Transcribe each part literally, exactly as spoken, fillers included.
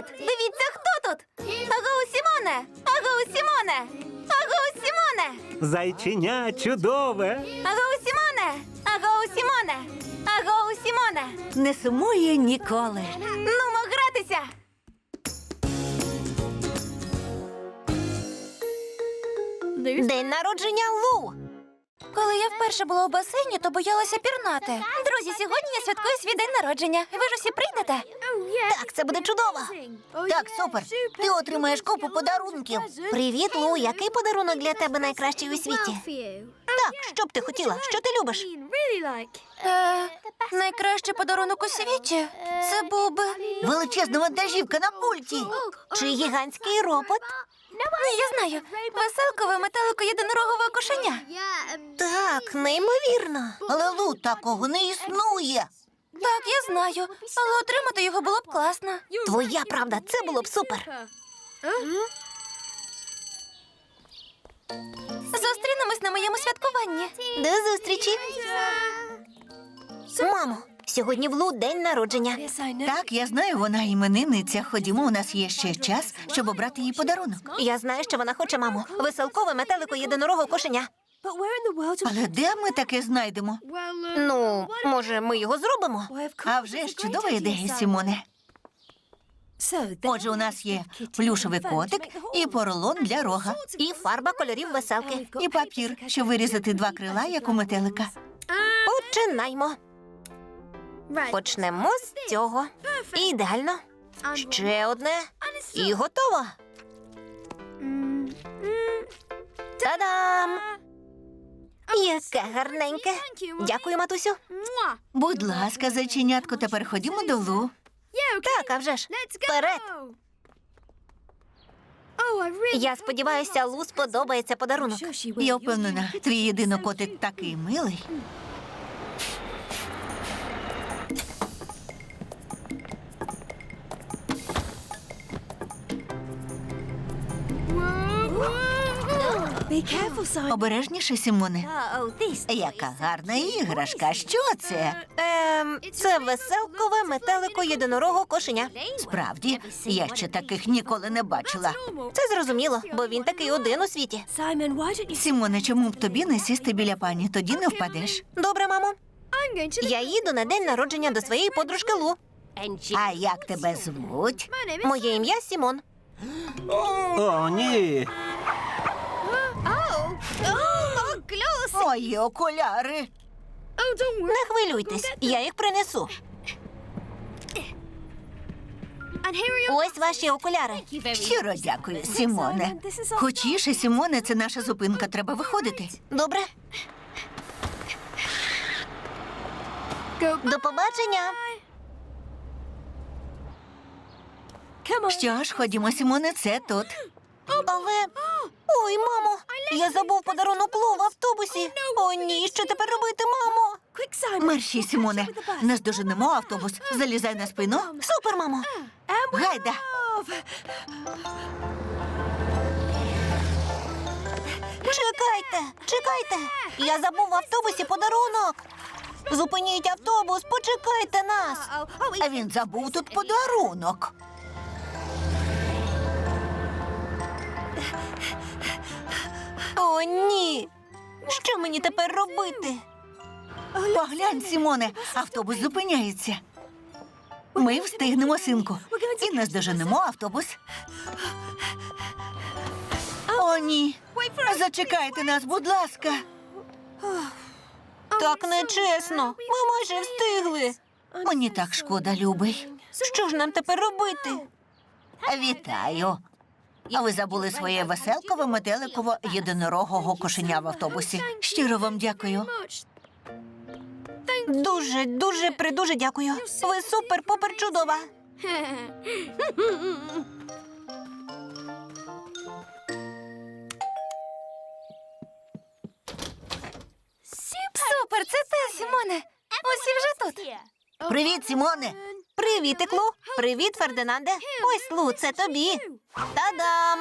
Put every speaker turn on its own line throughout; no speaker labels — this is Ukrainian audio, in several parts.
Дивіться, хто тут! Агоу, Сімоне! Агоу, Сімоне! Агоу, Сімоне!
Зайченя чудове.
Агоу, Сімоне! Агоу, Сімоне! Агоу, Сімоне!
Не сумує ніколи.
Нумо гратися! День народження Лу! Коли я вперше була у басейні, то боялася пірнати. Друзі, сьогодні я святкую свій день народження. Ви ж усі прийдете?
Так, це буде чудово. Так, супер. Ти отримаєш купу подарунків. Привіт, Лу. Який подарунок для тебе найкращий у світі? Так, що б ти хотіла? Що ти любиш?
Е, найкращий подарунок у світі – це був би...
Величезна вантажівка на пульті. Чи гігантський робот?
Ні, я знаю. Веселкове метелико єдинорогове кошеня.
Так, неймовірно. Але, Лу, такого не існує.
Так, я знаю. Але отримати його було б класно.
Твоя правда, це було б супер.
Зустрінемось на моєму святкуванні.
До зустрічі. Мамо, сьогодні в Лу день народження.
Так, я знаю, вона іменинниця. Ходімо, у нас є ще час, щоб обрати їй подарунок.
Я знаю, що вона хоче, мамо. Веселкове метелико єдинорого кошеня.
Але де ми таке знайдемо?
Ну, може, ми його зробимо?
А вже ж чудова ідея, Сімоне. Отже, у нас є плюшевий котик і поролон для рога.
І фарба кольорів веселки.
І папір, щоб вирізати два крила, як у метелика.
Починаймо. Почнемо з цього. Ідеально. Ще одне. І готово. Та-дам! Яке гарненьке. Дякую, матусю.
Будь ласка, зайченятко, тепер ходімо до Лу.
Так, а вже ж. Вперед. Я сподіваюся, Лу сподобається подарунок.
Я впевнена, твій єдинокотик такий милий. Обережніше, Сімоне. Яка гарна іграшка. Що це?
Ем, це веселкове метелико єдинорого кошеня.
Справді, я ще таких ніколи не бачила.
Це зрозуміло, бо він такий один у світі.
Сімоне, чому б тобі не сісти біля пані? Тоді не впадеш.
Добре, мамо. Я їду на день народження до своєї подружки Лу.
А як тебе звуть?
Моє ім'я Сімон.
О, ні.
Мої окуляри.
Не хвилюйтесь, я їх принесу. Ось ваші окуляри.
Щиро дякую, Сімоне. Хочіше, Сімоне, це наша зупинка, треба виходити.
Добре? До побачення.
Що ж, ходімо, Сімоне, це тут.
Але... Ой, мамо, я забув подарунок Лу в автобусі. О, ні, що тепер робити, мамо?
Мерщій, Сімоне, наздоженемо автобус. Залізай на спину.
Супер, мамо.
Гайда.
Чекайте, чекайте. Я забув в автобусі подарунок. Зупиніть автобус, почекайте нас.
А він забув тут подарунок.
О, ні. Що мені тепер робити?
Поглянь, Сімоне, автобус зупиняється. Ми встигнемо, синку, і наздоженемо автобус. О, ні. Зачекайте нас, будь ласка.
Так нечесно. Ми майже встигли.
Мені так шкода, любий.
Що ж нам тепер робити?
Вітаю. А ви забули своє веселкове метеликово єдинорогого кошеня в автобусі. Щиро вам дякую.
Дуже, дуже, придуже дякую. Ви супер-пупер чудова.
Супер, це ти, Сімоне. Усі вже тут.
Привіт, Сімоне.
Привіт, Лу. Привіт, Фердинанде. Ось, Лу, це тобі. Та-дам!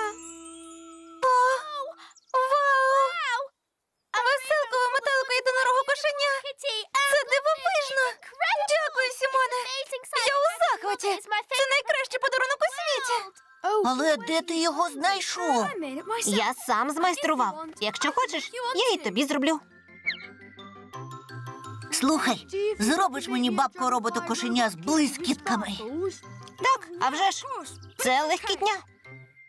Вау! Веселкове метелико єдинорого кошеня. Це дивовижно. Дякую. Дякую, Сімоне. Я у захваті. Це найкращий подарунок у світі.
Але де ти його знайшов?
Я сам змайстрував. Якщо хочеш, я і тобі зроблю.
Слухай, зробиш мені бабку роботу кошеня з блискітками.
Так, а вже ж. Це легкітня.